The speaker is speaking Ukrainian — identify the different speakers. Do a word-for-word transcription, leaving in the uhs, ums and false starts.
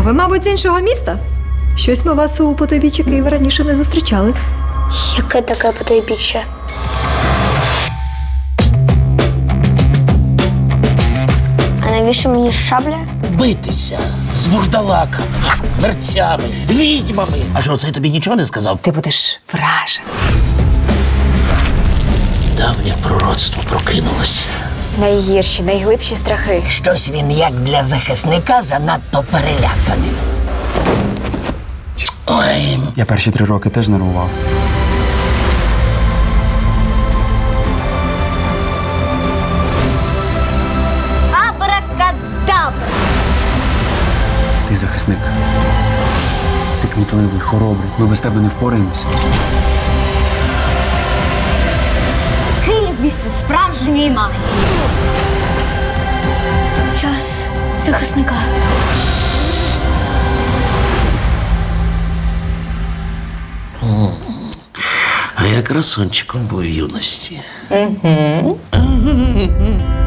Speaker 1: ви, мабуть, з іншого міста? Щось ми вас у потойбіччі Києва раніше не зустрічали.
Speaker 2: Яке таке потойбіччя? А навіщо мені шабля?
Speaker 3: Битися з бурдалаками, мерцями, відьмами. А що, це тобі нічого не сказав?
Speaker 1: Ти будеш вражений.
Speaker 3: Давнє пророцтво прокинулося.
Speaker 1: Найгірші, найглибші страхи.
Speaker 3: Щось він, як для захисника, занадто переляканий. Ой,
Speaker 4: Я перші три роки теж нервував.
Speaker 2: Абракадабра!
Speaker 4: Ти захисник. Ти кмітливий, хоробрий. Ми без тебе не впораємось.
Speaker 2: Київ місце справжньої магії. Час захисника.
Speaker 3: а я красунчиком був в юності. Угу.